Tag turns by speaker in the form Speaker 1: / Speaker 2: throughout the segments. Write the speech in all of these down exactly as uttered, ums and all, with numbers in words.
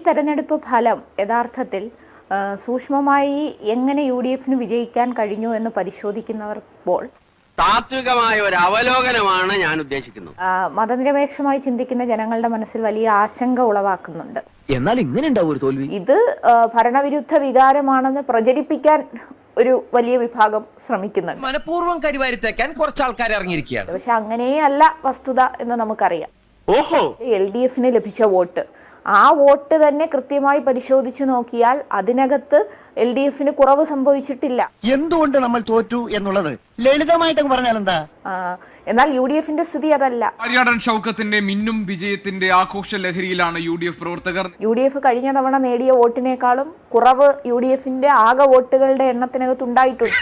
Speaker 1: തെരഞ്ഞെടുപ്പ് ഫലം യഥാർത്ഥത്തിൽ സൂക്ഷ്മമായി എങ്ങനെ യു ഡി എഫിന് വിജയിക്കാൻ കഴിഞ്ഞു എന്ന് പരിശോധിക്കുന്നവർപ്പോൾ
Speaker 2: താത്വികമായ ഒരു അവലോകനമാണ് ഞാൻ ഉദ്ദേശിക്കുന്നത്.
Speaker 1: മതനിരപേക്ഷമായി ചിന്തിക്കുന്ന ജനങ്ങളുടെ മനസ്സിൽ വലിയ ആശങ്ക ഉളവാക്കുന്നുണ്ട്.
Speaker 3: എന്നാൽ ഇങ്ങനെ ഉണ്ടാവും ഒരു തോൽവി.
Speaker 1: ഇത് ഭരണവിരുദ്ധ വികാരമാണെന്ന് പ്രചരിപ്പിക്കാൻ ഒരു വലിയ വിഭാഗം ശ്രമിക്കുന്നുണ്ട്.
Speaker 4: മനഃപൂർവ്വം കരിവാരിത്തേക്കാൻ കുറച്ച് ആൾക്കാർ ഇറങ്ങിയിരിക്കുകയാണ്.
Speaker 1: പക്ഷെ അങ്ങനെയല്ല വസ്തുത എന്ന് നമുക്കറിയാം.
Speaker 2: ഓഹോ,
Speaker 1: എൽ ഡി എഫിന് ലഭിച്ച വോട്ട്, ആ വോട്ട് തന്നെ കൃത്യമായി പരിശോധിച്ചു നോക്കിയാൽ അതിനകത്ത് എൽ ഡി എഫിന് കുറവ് സംഭവിച്ചിട്ടില്ല.
Speaker 5: എന്തുകൊണ്ട് നമ്മൾ തോറ്റു എന്നുള്ളത് ലളിതമായിട്ട് പറഞ്ഞാൽ എന്താ?
Speaker 1: എന്നാൽ യു ഡി എഫിന്റെ സ്ഥിതി അതല്ല.
Speaker 6: ആര്യാടൻ ഷൗക്കത്തിന്റെ മിന്നും വിജയത്തിന്റെ ആഘോഷ ലഹരിയിലാണ് യു ഡി എഫ് പ്രവർത്തകർ.
Speaker 1: യു ഡി എഫ് കഴിഞ്ഞ തവണ നേടിയ വോട്ടിനേക്കാളും കുറവ് യു ഡി എഫിന്റെ ആകെ വോട്ടുകളുടെ എണ്ണത്തിനകത്ത് ഉണ്ടായിട്ടുണ്ട്.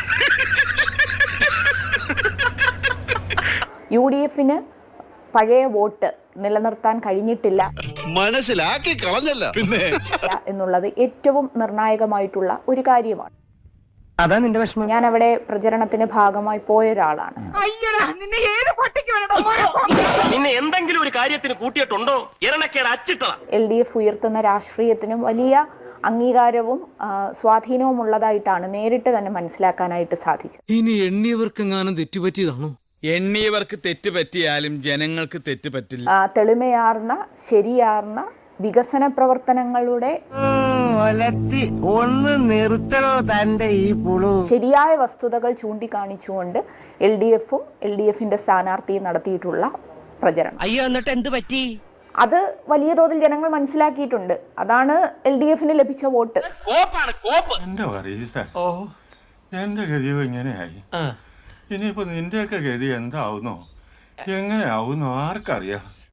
Speaker 1: യു ഡി എഫിന് പഴയ വോട്ട് നിലനിർത്താൻ കഴിഞ്ഞിട്ടില്ല,
Speaker 7: മനസ്സിലാക്കി കളഞ്ഞല്ല പിന്നെ
Speaker 1: എന്നുള്ളത് ഏറ്റവും നിർണായകമായിട്ടുള്ള ഒരു കാര്യമാണ്.
Speaker 3: അതാ നിന്റെ വിഷമം.
Speaker 1: ഞാൻ അവിടെ പ്രചരണത്തിന് ഭാഗമായി പോയ ഒരാളാണ്.
Speaker 2: നിന്നെ എന്തെങ്കിലും ഒരു കാര്യത്തിന് കൂട്ടിയിട്ടുണ്ടോ?
Speaker 1: എൽ ഡി എഫ് ഉയർത്തുന്ന രാഷ്ട്രീയത്തിനും വലിയ അംഗീകാരവും സ്വാധീനവും ഉള്ളതായിട്ടാണ് നേരിട്ട് തന്നെ മനസ്സിലാക്കാനായിട്ട് സാധിച്ചത്.
Speaker 8: ഇനി എണ്ണിയവർക്കെങ്ങാനും തെറ്റുപറ്റിയതാണോ?
Speaker 7: എണ്ണിയവർക്ക് തെറ്റ് പറ്റിയാലും ജനങ്ങൾക്ക് തെറ്റ് പറ്റില്ല.
Speaker 1: തെളിമയാർന്ന ശരിയാർന്ന വികസന പ്രവർത്തനങ്ങളുടെ
Speaker 5: ഒന്ന് നിർത്തണോ തന്റെ ഈ പുളു?
Speaker 1: ശരിയായ വസ്തുതകൾ ചൂണ്ടിക്കാണിച്ചുകൊണ്ട് എൽ ഡി എഫും എൽ ഡി എഫിന്റെ സ്ഥാനാർത്ഥിയും നടത്തിയിട്ടുള്ള പ്രചരണം.
Speaker 4: അയ്യോ, എന്നിട്ട് എന്ത് പറ്റി?
Speaker 1: അത് വലിയ തോതിൽ ജനങ്ങൾ മനസ്സിലാക്കിയിട്ടുണ്ട്. അതാണ് എൽ ഡി എഫിന് ലഭിച്ച വോട്ട്.
Speaker 7: എന്റെ പറയീസ, എന്റെ ഗതിയോ ഇങ്ങനെയായി. ഇനിയിപ്പോ നിന്റെയൊക്കെ ഗതി എന്താവുന്നോ എങ്ങനെയാവുന്നോ ആർക്കറിയാം.